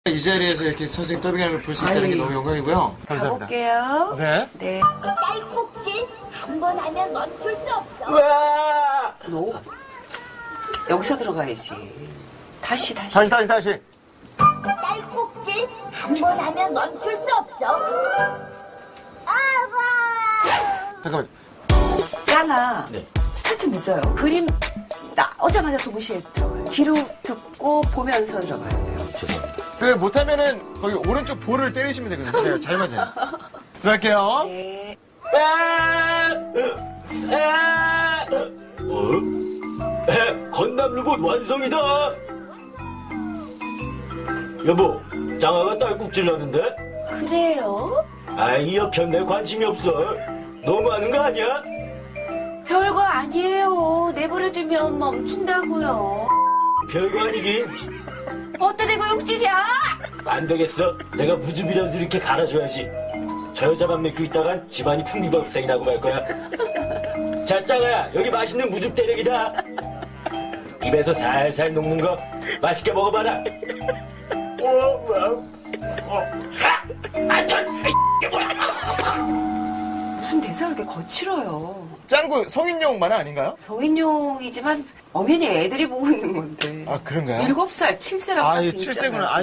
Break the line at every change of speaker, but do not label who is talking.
이 자리에서 이렇게 선생님 더빙하는 볼 수 있다는 게 너무 영광이고요. 감사합니다.
가볼게요.
네.
네.
짤꼭질 한 번 하면 멈출 수 없어.
와!
노. 여기서 들어가야지. 다시.
다시.
짤꼭질 한 번 하면 멈출 수 없어. 아빠.
잠깐만.
까나.
네.
스타트 늦어요. 그림 나오자마자 동시에 들어가요. 귀로 듣고 보면서 들어가야 돼요.
죄송합니다. 그 못하면은 거기 오른쪽 볼을 때리시면 되거든요. 네, 잘 맞아요. 들어갈게요.
네.
건담 로봇 완성이다. 여보, 장아가 딸꾹질 나는데?
그래요?
아이 옆편내 관심이 없어. 너무하는 거 아니야?
별거 아니에요. 내버려두면 멈춘다고요.
별거 아니긴.
어때 이거 욕질이야?
안 되겠어. 내가 무즙이라도 이렇게 갈아줘야지. 저 여자만 믿고 있다간 집안이 풍비박산이 나고 말 거야. 자, 짱아야, 여기 맛있는 무즙 대력이다. 입에서 살살 녹는 거 맛있게 먹어봐라.
무슨 대사를 이렇게 거칠어요.
짱구 성인용 만화 아닌가요?
성인용이지만 엄연히 애들이 보고 있는 건데.
아, 그런가요?
7살, 7살
아,
아까
예,
있잖아요.
7세구나.